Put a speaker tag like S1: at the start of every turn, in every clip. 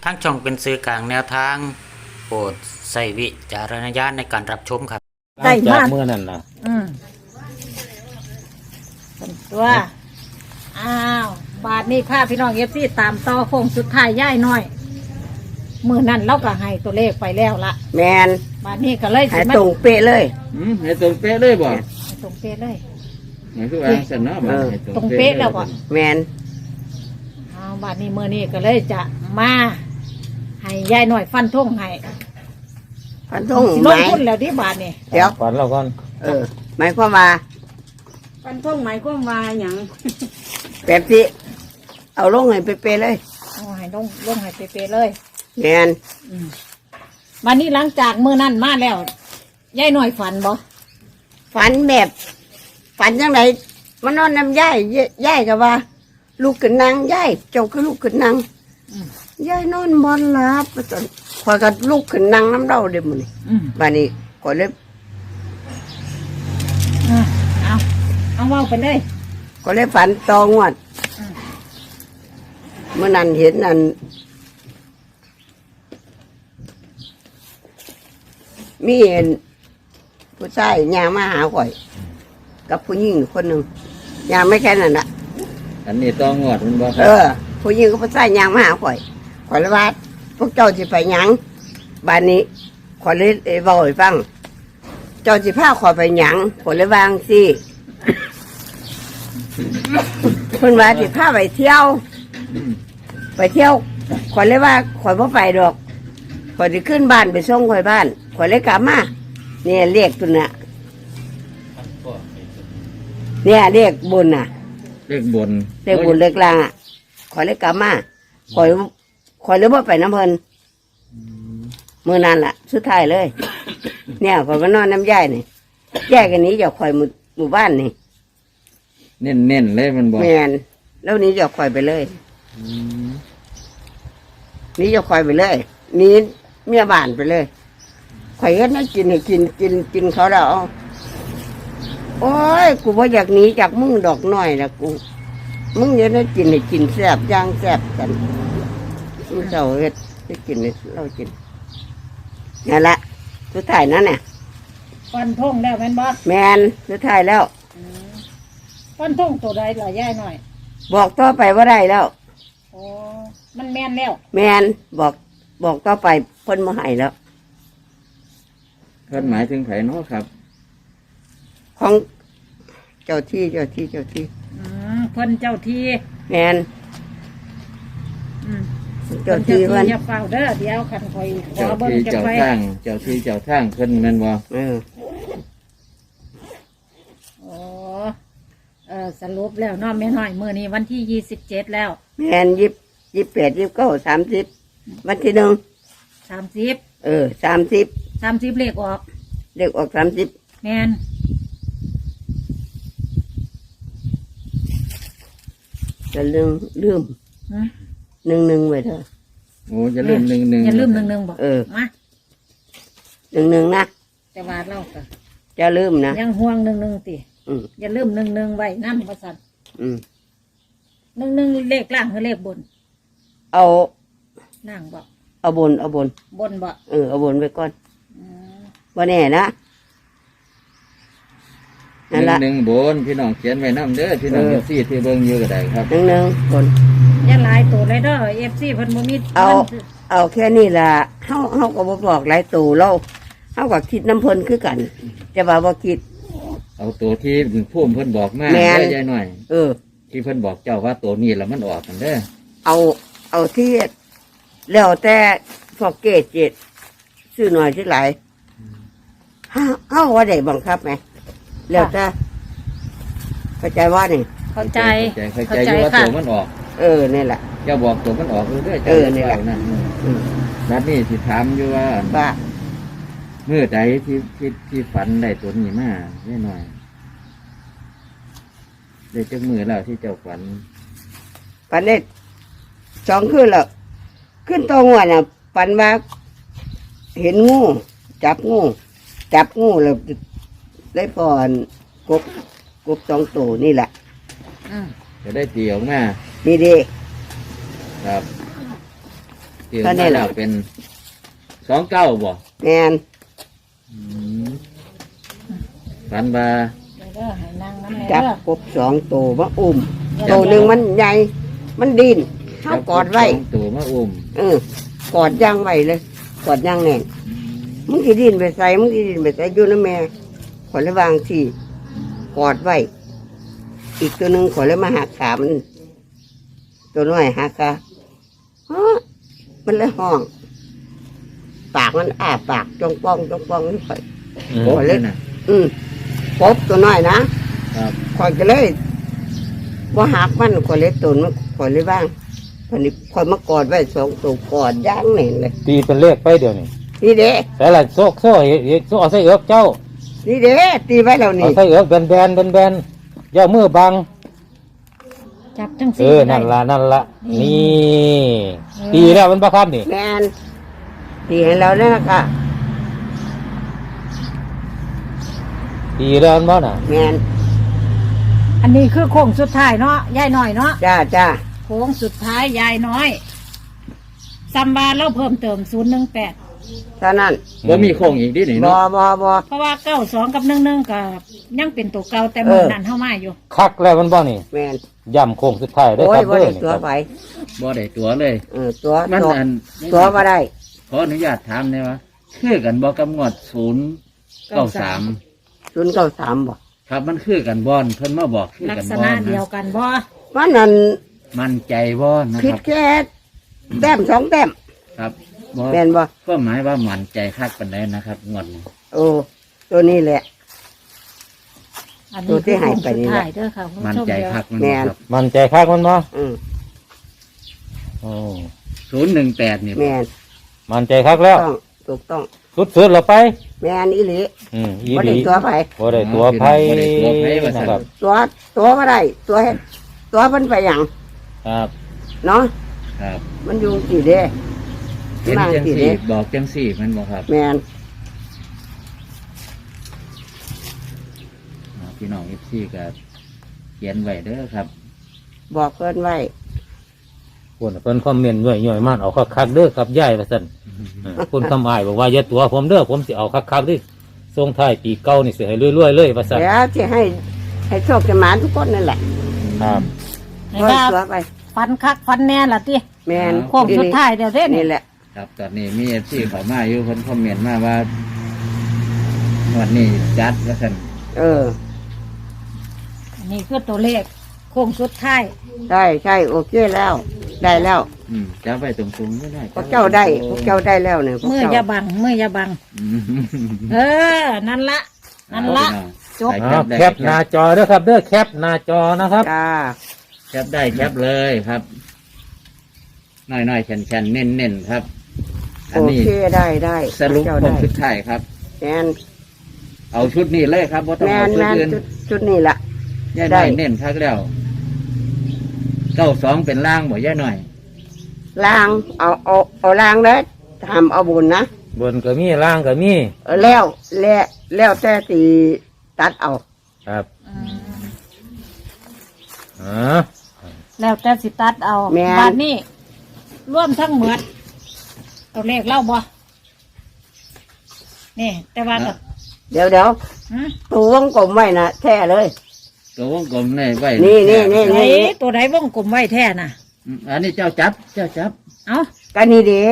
S1: ทั้งช่องเป็นสื่อกลางแนวทางโปรดใส่วิจารณญาณในการรับชมครับ
S2: ได้มาก
S3: เมื่อนั้นนะ
S2: เป็นตัวอ้าวบาทนี้ค่ะพี่น้องเอฟซีตามต่อโค้งสุดท้ายย่ายน้อยมือนั่นเราก็ให้ตัวเลขไปแล้วละ
S4: แมน
S2: บาทนี้ก็เลย
S4: หายตรงเป๊ะเลย
S3: ให้ตรงเป๊ะเลยบ่
S2: ให้ตรงเป๊ะเลย
S3: หมายคือว่าสันเนาะบ่ให้
S2: ตรงเป๊ะแล้วบ่
S4: แมน
S2: เอาบาทนี้มือนี้ก็เลยจะมาให้ย่ายน้อยฟันท่งให้
S4: พันธง
S2: สิ
S4: ไห
S2: ล
S4: ม
S2: งทุนแล้วที่บาทนี่
S4: เดี๋ยว
S3: ฝันเราก่อน
S4: หมายความว่า
S2: ฟันท่งหมายความว่าหยัง
S4: แบบที่เอาลงให้เป๊ะๆเลย
S2: เอาให้ลงให้เป๊ะๆเลย
S4: แมน
S2: วันนี้หลังจากมือนั่นมาแล้วย่ายน้อยฝันบ่
S4: ฝันแบบฝันยังไงมันนอนน้ำย่ายย่ายกับว่า ลูกขึ้นนางย่ายเจ้าคือลูกขึ้นนางย่ายนอนบอนหลับจนคอยกับลูกขึ้นนางน้ำเล่าเดี๋ยวมัน บ้านนี้ก็เลย
S2: เอาเว้าไปเลย
S4: ก็เลยฝันตองวดเมื่อนั้นเห็นนั่นมีเห็นผู้ชายยางมาหาข่อย กับผู้หญิงคนหนึ่งยางไม่แค่นั้นน่ะ
S3: อันนี้ต้องงวดมันบ่
S4: ผู้หญิงกับผู้ชายยางมาหาข่อยข่อยเลยว่าพวกเจ้าจะไปหยังบ้านนี้ข่อยเลยบอกให้ฟัง เจ้าจะพาข่อยไปหยังข่อยเลยวางสิเพิ่นว่าสิพาไปเที่ยว ไปเที่ยวข่อยเลยว่าข่อยบ่ไปดอกข่อยจะขึ้นบ้านไปส่งข่อยบ้านข่อยเลยกลับมาเนี่ยเรียกตัวน่ะเนี่ยเรียกบุญน่ะ
S3: เลขบน
S4: เรียกบุญเรียกลางอ่ะข่อยเลยกลับมาข่อยเลยบ่ไปน้ำเพิ่นมื้อนั้นล่ะสุดท้ายเลย เนี่ยข่อยมานอนน้ำย่ายนี่แยกกันนี้จากข่อยหมู่บ้านนี่
S3: เน้นเลยมันบ่
S4: แมนแล้วหนี้จากข่อยไปเลยหนี้จากข่อยไปเลยหนี้เมียบ้านไปเลยข่อยก็นั่งกินให้กินเขาแล้วเอาโอ้ยกูว่าอยากหนีจากมึงดอกน้อยนะกูมึงเดี๋ยวนั่งกินให้กินแซ่บย่างแซ่บกันมึงเราเฮ็ดให้กินให้เรากินนั่นละสุดท้ายนั่นน่ะ
S2: ฟันท่งแล้วแม่นบ่
S4: แมนสุดท้ายแล้ว
S2: ฟันท่งตัวใดล่ะย่ายน้อย
S4: บอกต่อไปว่าได้แล้ว
S2: โอ้มันแม่นแล้ว
S4: แมนบอกต่อไปเพ้นมาให้แล้ว
S3: เพิ่นหมายถึงไผเนาะครับ
S4: ของเจ้าที่
S2: เพิ่นเจ้าที่
S4: แมน
S2: อืม
S4: เจ้าที่
S2: เพิ่
S4: เพิ่
S2: น
S4: น
S2: อย่าเฝ้าเด้อเดี๋ยวคันคอยขอ
S3: เจ้า
S2: เบิ่ง
S3: ที่
S2: จัก
S3: เจ้า
S2: ไว้
S3: ทางเจ้าที่เจ้าทางเพิ่นแม่นบ่
S2: โอ้สรุปแล้วเนาะแม่น้อยมื้อนี้วันที่27แล้ว
S4: แมน28 29 30วันที่1
S2: 30
S4: 30
S2: 30เลขออก
S4: เลขออก30
S2: แม่น
S4: จะลืม
S2: หือ
S4: 11ไว้เถอะ
S3: โอ้จะลืม11
S2: อย่าลืม11บ่มา
S4: 11นะ
S2: แต่ว่าเราก็
S4: จะลืมนะ
S2: ยังห่วง11ติ
S4: อืม
S2: อย่าลืม11ไว้นำว่าซั่น
S4: อืม
S2: 11เลขล่างหรือเลขบน
S4: เอา
S2: ล่างบ่
S4: เอาบน
S2: บนบ่
S4: เอาบนไว้ก่อน
S2: อืม
S4: บ่แน่นะนั่นละ
S3: 11บนพี่น้องเขียนไว้นำเด้อพี่น้องที่เบิ่งอยู่ก็ได้ครับ
S4: 11บน
S2: อย่าหลายตัวเลยเด้อ FC เพิ่นบ่มี
S4: เอาแค่นี้ล่ะเฮาก็บ่บอกหลายตู่เราเฮาก็คิดน้ำเพิ่นคือกันแต่ว่าบ่คิด
S3: เอาตัวที่พุ่มเพิ่นบอกมา
S4: แม่น
S3: เด้อยายหน่อย
S4: เออ
S3: ที่เพิ่นบอกเจ้าว่าตัวนี้แล้วมันออกกันเด้อ
S4: เอาที่แล้วแต่พวกเกจเจ็ดซื้อหน่อยซื้อหลายเฮาว่าได้บังคับไหมแล้วแต่เข้าใจว่านี่
S2: เข้าใจ
S3: เข้าใจอยู่ว่าตัวมันออก
S4: นี่แหละ
S3: เจ้าบอกตัวมันออกเด้อ
S4: เออนี่แหละ
S3: นะ
S4: อืม
S3: นัดนี้สิถามอยู่ว่า
S4: ว่า
S3: เมื่อใดที่ฝันได้ตัวนี้มาแน่หน่อยได้จักมือแล้วที่เจ้าฝัน
S4: ปันนี้2 คืนแล้วขึ้นตัวหัวน่ะปันว่าเห็นงูจับงูแล้วได้พอนกบ2 ตัวนี่แหละ
S2: อืม
S3: จะได้ตีออกมา
S4: นี่ดี
S3: ครับที่
S4: ตอนนี้
S3: มา
S4: แหละ
S3: แล้วเป็น29บ่
S4: แม่น
S3: อืมฝันว่า
S2: เดี๋ยวเด้อให้นั่งน้ำแม่
S4: จับ
S2: เด้อก
S4: บ2ตัวมาอุ้มตัวหนึงมันใหญ่มันดิ้นเฮากอดไว้
S3: สองตัวมาอุ้ม
S4: กอดย่างไว้เลยกอดย่างแน่นมึงสิดิ้นไปใส่มึงสิดิ้นไปใส่อยู่นะแม่ขอเลยวางที่กอดไว้ อีกตัวหนึ่งขอเลยมาหักขามัน ตัวน้อยหักขาฮะมันเลยห้อง ปากมันอ้าปากจ้องป้องจ้องป้องนี่ข่อย
S3: โอ้เลยนะ
S4: ปบตัวน้อยนะครับข่อยก็เลยว่าหักมันข่อยเลยตุนมันข่อยเลยว่างวันนี้ข่อยมากอดไว้2ตัวกอดย่างแน่นเลย
S5: ตีเป็นเลขไปเดี๋ยวนี้
S4: นี่เด้
S5: แต่ละโซ่โซ่เอาใส่เอือบเจ้า
S4: นี่เด้ตีไว้แล้ว
S5: เอา
S4: นี่
S5: ใส่เอือบแบนแบนอย่ามือบัง
S2: จับจัง
S5: เอ
S2: ซี่
S5: อ
S2: ได้
S5: นั่นละนี่
S2: เออ
S5: ตีแล้วมันบ้าครับนี่
S4: แมนตีให้เราเนี่ยนะคะ
S5: ตีแล้วมันบ้าน่ะ
S4: แมน
S2: อันนี้คือโค้งสุดท้ายเนาะยายน้อยเนาะ
S4: จ้าจ้า
S2: โค้งสุดท้ายยายน้อยซัมบาเราเพิ่มเติม018
S4: เท่านั้น
S3: ว่ามีโค้งอีกดิหนิ
S4: บ
S3: เนาะ
S4: บ
S2: เพราะว่า92กับ11กับยังเป็นตัวเก่าแต่
S4: เออ
S2: มื้อนั้นเฮามาอยู่
S5: คักแล้วมันบ้านี่
S4: แมน
S5: ย่ำโค้งสุดท้ายได้
S4: โอ้
S5: ค
S4: ย
S5: รับ
S4: บ่
S5: เด้อ
S4: ได้
S5: นี่
S4: ตัว
S5: ครับ
S4: ไป
S3: บ่ได้ตัวเลย
S4: ตัว
S3: มัน
S4: ตัว
S3: อัน
S4: ตัวมาได้
S3: ขออนุญาตถามได้ว่าคือกันบ่กับงวด093
S4: 093บ่
S3: ครับมันคือกันบ่อนเพิ่นมาบอกคือ
S2: ลัก
S3: กัน
S2: ษ
S3: บ่
S2: ณะ
S3: อน
S2: เดียว
S3: นะ
S2: กันบ่
S4: ว่านั่น
S3: มั่นใจบ่นะ
S4: ผิ
S3: ค
S4: ด
S3: รับ
S4: แค่แต้ม2แต้ม
S3: ครับบ่
S4: แมนบ่
S3: ก็หมายว่ามั่นใจคักปานใดนะครับงวดนี้
S4: โอ้ตัวนี้แหละ
S2: อัน
S4: ตั
S2: นี้
S4: วที่
S2: คือ
S4: หาย
S2: โค้ง
S4: ไป
S2: สุด
S4: นี่แหละ
S2: ท้ายเด้อค่ะคุณ
S3: มั่น
S2: ผู้ชม
S3: ใจ
S2: เดี๋ยว
S3: คักมัน
S4: แม่
S3: บ่
S4: น
S3: ครับ
S5: มันใจคักมันบ่
S4: อืม
S5: โอ้
S3: 018นี่
S4: แม
S3: บ่
S4: น
S5: มันใจคักแล้ว
S4: ต้องถูกต้อง
S5: สุดๆเราไป
S4: แมนอีหลี
S5: อี
S4: บ่
S5: ห
S4: ได้
S5: ลี
S4: ตัวไป
S5: บ่ได้ตัวไพ่
S3: บ่ได้ตัวไผว่าซั่น
S5: นะครับ
S4: ตัวมาได้ตัวมันไปอย่าง
S5: ครับ
S4: เนาะ
S3: ครับ
S4: มันอยู่กี่เด้
S3: เป็น
S4: มา
S3: จัง
S4: กี่
S3: สี่
S4: เด้
S3: บอกจังสี่มันบ่ครับ
S4: แมน
S3: พี่น้อง FC ก็เขียนไว้เด้อครับ
S4: บอกเพื่อนไว้
S5: เพิ่นคอมเมนต์ย่อยๆมากเอาคักๆเด้อครับย่ายว่าซั่นคุณคำอ้ายบอกว่าอย่าตัวผมเด้อผมสิเอาคักๆดิส่งท้ายปีเก่านี่สิให้รวยๆเลยว่าซั่น
S4: แล้วจะให้โชคจะหมานทุกคนนั่นแหละ
S5: ครับ
S2: ให้
S4: เพื่อน
S2: ว่า
S4: ตัวไป
S2: ฟันคักฟันแน่ล่ะติ
S4: แมน
S2: โค้งสุดท้ายเดี๋ยวเด้
S4: นี่
S2: นี่
S4: แหละ
S3: ครับตอนนี้มี FC เข้ามาอยู่เพิ่นคอมเมนต์มาว่าวันนี้จัดว่าซั่น
S2: อันนี้คือตัวเลขโค้งสุดท้าย
S4: ใช่โอเคแล้ว ได้แล้ว
S3: จับไว้ตรงๆไม่ได้
S4: พวกเจ้าได้พวกเจ้าได้แล้วเนี่ยพวก
S2: มือ
S4: เจ้า
S2: อย่าบังมืออย่าบัง
S3: อืม
S2: เออ นั่นละ นั่นละ จบ
S5: อ้าวแคปหน้าจอเด้อครับเด้อแคปหน้าจอนะครับ
S4: จ้า
S3: แคปได้แคปเลยครับน้อยๆแข็งๆเน้นๆครับ อัน
S4: โอ
S3: นี้
S4: เคได้
S3: สรุป
S4: พวกเจ้า
S3: ผ
S4: ได้
S3: มชุดไทายครับ
S4: แมน
S3: เอาชุดนี้เลยครับว่าต้อง
S4: แม
S3: เอา
S4: น
S3: ชุ
S4: แม
S3: ด
S4: น
S3: อื่น
S4: ชุดนี้ละ
S3: ย่า
S4: ได้
S3: น้อยเน้นคักแล้ว92เป็นล่างบ่ย่าน้อย
S4: ล้างเอาล้างแล้วทำเอาบุญนะ
S5: บนก็มีล่างก็มี
S4: แล้วแต่ตีตัดเอา
S5: ครับอ๋อ
S2: แล้วแต่สิตัดเอา
S4: แม่น
S2: บาทนี้ร่วมทั้งหมดตัวเลขเล่าบ่นี่ แต่ว่าก็
S4: เดี๋ยว
S2: หืม
S4: ตัววงกลมไว้นะแท้เลย
S3: ตัววงกลมในไว้
S4: นี่
S2: ไหนตัวไหนวงกลมไว้แท้น่ะ
S3: อันนี้เจ้าจับ
S2: เอา
S4: กันนี่เด้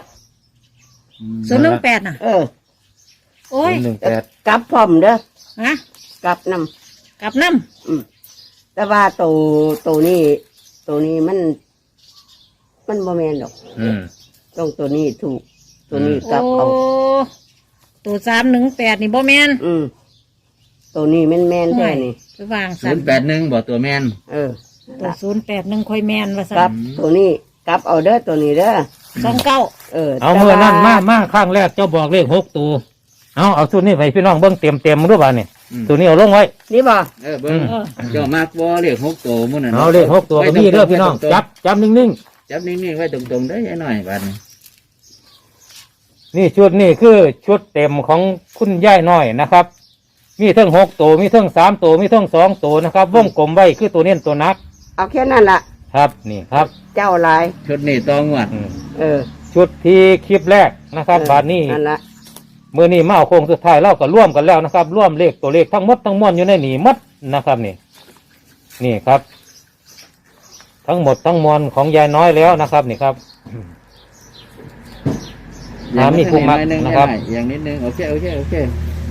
S2: 018น่ะ โอ้ย
S5: 118
S4: กลับพร้อมเด้อ
S2: ฮะ
S4: กลับน
S2: กลับน้
S4: ำแต่ว่าตัวนี้มันโมเมนดอก ต้องตัวนี้ถูก ตัวนี้
S2: ำ
S4: กลับ
S2: โอ้
S4: เอา
S2: ตัว318นี่บ่แม่น
S4: ตัวนี้แม่นแท้นี่
S2: ไปวาง
S3: 081บ่ตัวแม่น
S2: ตัว081ค่อยแม่นว่าซั่
S4: กลับ
S2: น
S4: ตัวนี้กลับเอาเด้อตัวนี้เด้อ
S2: 29
S5: เอาเมื่อนั่นมาข้างแรกเจ้าบอกเลข6ตัวเอาชุดนี้ไปพี่น้องเบิ่งเต็มๆด้วยบ้านนี่ตัวนี้เอาลงไว้
S4: นี่บ่
S3: เบิ่งเจ้ามากบ่เลข6ตัวมื้อนั้น
S5: เอาเลข6ตัวก็มีเด้อพี่น้องจับนิ่งๆ
S3: จับนิ่งๆไว้ตรงๆเด้อย่าน้อยบัดนี้
S5: นี่ชุดนี่คือชุดเต็มของคุณย่ายน้อยนะครับ มีทั้ง6ตัวมีทั้ง3ตัวมีทั้ง2ตัวนะครับวงกลมไว้คือตัวเน้นตัวนัก
S4: เอาแค่นั้นล่ะ
S5: ครับนี่ครับ
S4: เจ้าหลาย
S3: ชุดนี้ต้องงวด
S5: อืม
S4: เออ
S5: ชุดที่คลิปแรกนะครับบาทนี้
S4: นั่นละ
S5: มือนี้มาเอาโค้งสุดท้ายเราก็ร่วมกันแล้วนะครับ ร่วมเลขตัวเลขทั้งหมดทั้งมวลอยู่ในนี่หมดนะครับนี่ครับ ทั้งหมดทั้งมวลของยายน้อยแล้วนะครับนี่ครับ มีผู้มักนะครับ
S3: อย่างนิดนึงโอเคโอเคโอเค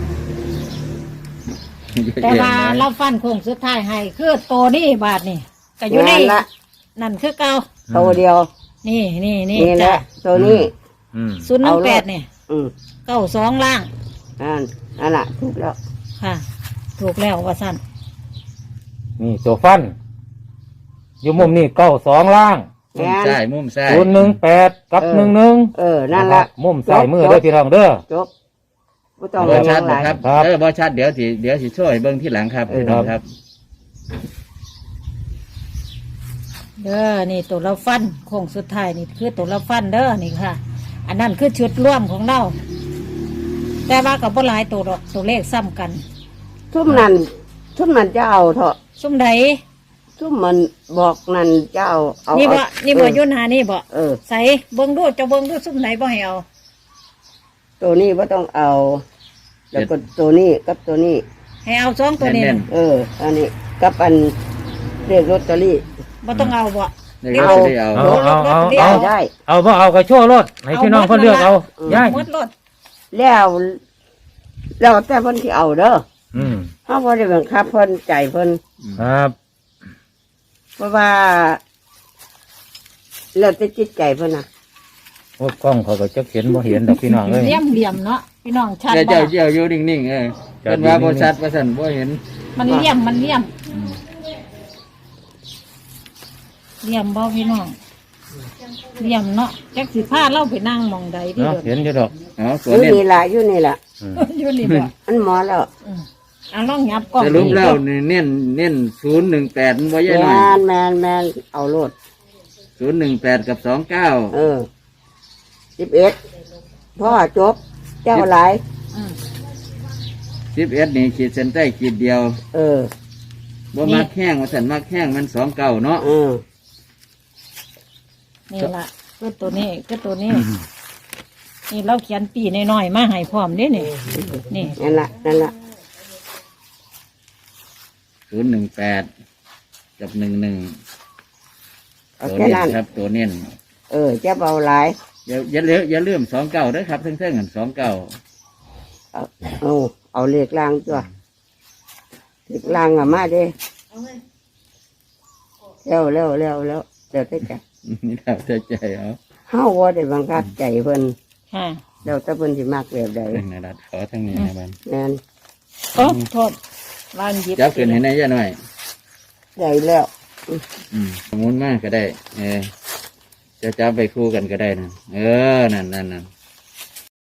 S2: แต่ว่าเราฟันโค้งสุดท้ายให้คือตัวนี้บาทนี่ก็อยู่ใน
S4: นั่นละ
S2: นั่นคือเก่า
S4: ตัวเดียว
S2: นี่นี่นี่
S4: นี่แห
S2: จ้ะ
S4: ละตัวนี้
S5: อืม
S2: 018นี่
S4: อืม
S2: 92ล่าง
S4: นั่นละถูกแล้ว
S2: ค่ะ ถูกแล้วว่าสั้น
S5: นี่ตัวฟัน อยู่มุมนี่92ล่าง
S3: มุมซ้ายมุมซ้าย
S5: 018กับ11
S4: นั่นละ
S5: มุมซ้ายมือเด้อพี่น้องเด้อ
S4: จบไม่ต้อง
S3: บ่
S4: ไป
S3: ชัด
S4: หลาย
S3: นะครับ
S5: ครับ
S3: บ่ชัดเดี๋ยวสิช่วยเบิ่งที่หลังครับพี่น้องครับ
S2: เด้อนี่ตัวเราฟันโค้งสุดท้ายนี่คือตัวเราฟันเด้อนี่ค่ะ อันนั้นคือชุดร่วมของเราแต่ว่ากับบ่หลายตัวดอกตัวเลขซ้ำกัน
S4: ทุ่มนั่นจะเอาเถอะ
S2: ซุ่มใด
S4: ทุ่มมันบอกนั่นจะเอา
S2: นี่บ่
S4: เอา
S2: นี่บ่ยุ่นหานี่บ่
S4: เออ
S2: ใส่เบิ่งดูเจะเบิ่งดูซุ่มไหนบ่ให้เอา
S4: ตัวนี้ว่าต้องเอา แล้วก็ตัวนี้กับตัวนี้
S2: ให้เอาสองตัวนี้
S3: แน่
S2: น่ะ
S3: น
S4: อันนี้กับอันเรียกลอตเตอรี่
S2: บ่ต้องเอาบ่
S3: ๆเดี๋ยวจะได้เอา
S5: เอา
S4: ได้
S5: เอาบ่เอาก็โชว์รถให้พี่น้องเพิ่นเลือกเอาย้าย
S2: หมดรถ
S4: แล้วแต่เพิ่นที่เอาเด้อ
S5: อืม
S4: เฮาบ่ได้บังคับเพิ่นใจเพิ่น
S5: ครับ
S4: เพราะว่าแล้วแต่จิตใจเพิ่นน่ะ
S5: โอ้กล้องเขาก็จะเห็นบ่เห็นดอกพี่น้องเอ้ย
S2: เหลี่ยมเนาะพี่น้องชัด
S3: เดี๋ยว
S2: บ่
S3: เจ้าอยู่นิ่งๆเพิ่นว่าบ่ชัดว่าซั่นบ่เห็น
S2: มันเหลี่ยมบ่พี่น้องเหลี่ยมเนาะจักสิพาเราไปนั่งหมองใดที่
S5: เนาะ
S2: เดิ
S5: เห็นอยู่ดอก
S3: อ๋อ
S4: อ
S3: ตัว
S4: ยู่
S3: เน้น
S4: นี่ล่ะอยู่นี่ล่ะ
S5: อืม
S2: อยู่นี่บ่
S4: อันหมอแล้ว
S2: อ่ะลองยับกล้อง
S3: สรุปแล้วนี่เน้น018มันบ่ใหญ่หน่อย
S4: แมนเอาโลด
S3: 018กับ29
S4: 11พ่อจบ เจ้าหลาย
S2: อืม
S3: 11นี่ขีดเส้นใต้ขีดเดียว
S4: เออ
S3: บ่มักแห้งว่าซั่นมักแห้งมัน29เนาะ
S2: นี่ล่ะคือตัวนี้คือตัวนี้ นี่เราเขียนปีน้อยๆมาให้พร้อมเด้นี่นี่
S4: นั่นละ
S3: 018กับ11
S4: เอา
S3: ตัว
S4: แค่
S3: เน้
S4: นั้น
S3: นครับตัวเน้น
S4: จะเบาหลาย
S3: อย่าลืม29เด้อครับเทั้งๆกัน29
S4: เอาเลขล่างจ้ะเลขล่างอะมาเด้เร็วเดี๋ยวได้จ้ะ
S3: นี่เราใจเอา
S4: เฮาว่าได้บังคับใจเพิ่น
S2: ค่ะ
S4: แล้วแต่เพิ่นสิมักแบบใด
S3: เรื่องนะรัดขอทั้งนี้นะบัน
S4: แม่น
S2: โอ้โทษวางหยิบ
S3: จับขึ้นให้ในย่าหน่อย
S4: ได้แล้ว
S3: สมุนมากก็ได้ จะจับไปคู่กันก็ได้นะนั่น